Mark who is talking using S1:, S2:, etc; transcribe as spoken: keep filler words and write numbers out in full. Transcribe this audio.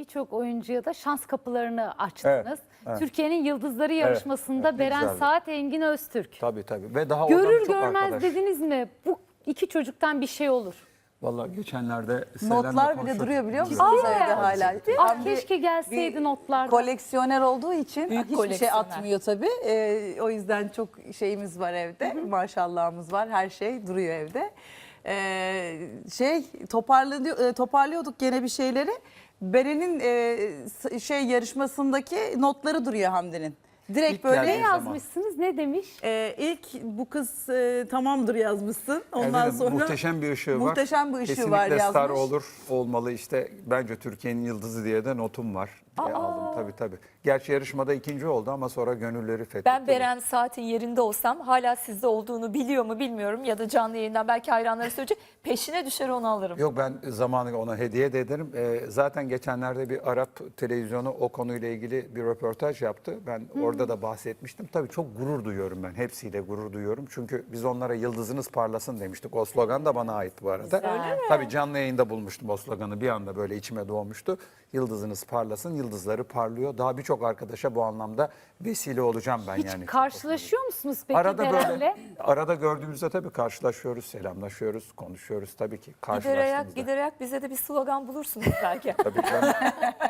S1: birçok oyuncuya da şans kapılarını açtınız.
S2: Evet, evet.
S1: Türkiye'nin Yıldızları yarışmasında
S2: evet, ne
S1: Beren
S2: güzeldi.
S1: Saat, Engin Öztürk.
S2: Tabii tabii. Ve daha oradan
S1: Görür
S2: çok
S1: görmez
S2: arkadaş.
S1: dediniz mi bu iki çocuktan bir şey olur?
S2: Vallahi geçenlerde Selen'le
S3: Notlar bile
S2: konuşuyorduk.
S3: duruyor biliyor musunuz
S1: Ciddi mi?
S3: evde hala?
S1: Ah
S3: Tam bir-
S1: keşke gelseydi
S3: bir
S1: notlardan.
S3: Koleksiyoner olduğu için
S4: Büyük
S3: hiçbir şey
S4: koleksiyoner.
S3: atmıyor tabii. Ee, o yüzden çok şeyimiz var evde. Maşallahımız var. Her şey duruyor evde. Ee, şey toparlıyor, e, toparlıyorduk gene bir şeyleri. Beren'in e, s- şey yarışmasındaki notları duruyor Hamdi'nin. Direkt
S2: İlk
S3: böyle
S1: Ne
S2: geldiği zaman.
S1: yazmışsınız? Ne demiş?
S3: e, ilk bu kız e, tamamdır yazmışsın. Ondan
S2: Efendim,
S3: sonra
S2: muhteşem bir ışığı var.
S3: muhteşem bir ışığı
S2: Kesinlikle
S3: var yazmış.
S2: star olur, olmalı işte. Bence Türkiye'nin yıldızı diye de notum var. Diye aldım tabii tabii. Gerçi yarışmada ikinci oldu ama sonra gönülleri fethetti.
S4: Ben Beren Saat'in yerinde olsam hala sizde olduğunu biliyor mu bilmiyorum ya da canlı yayından belki hayranları söyleyecek, peşine düşer onu alırım.
S2: Yok, ben zamanı ona hediye de ederim. Ee, zaten geçenlerde bir Arap televizyonu o konuyla ilgili bir röportaj yaptı. Ben orada da bahsetmiştim. Tabii çok gurur duyuyorum ben. Hepsiyle gurur duyuyorum. Çünkü biz onlara yıldızınız parlasın demiştik. O slogan da bana ait bu arada.
S1: Güzel.
S2: Tabii canlı yayında bulmuştum o sloganı. Bir anda böyle içime doğmuştu. Yıldızınız parlasın. Yıldızları parlıyor. Daha birçok arkadaşa bu anlamda vesile olacağım ben
S1: Hiç
S2: yani.
S1: karşılaşıyor musunuz peki
S2: Arada
S1: Beren'le?
S2: böyle arada gördüğümüzde tabii karşılaşıyoruz, selamlaşıyoruz, konuşuyoruz tabii ki.
S4: Gider ayak,
S2: Karşılaştığımızda.
S4: gider ayak bize de bir slogan bulursunuz belki.
S2: Tabii canım.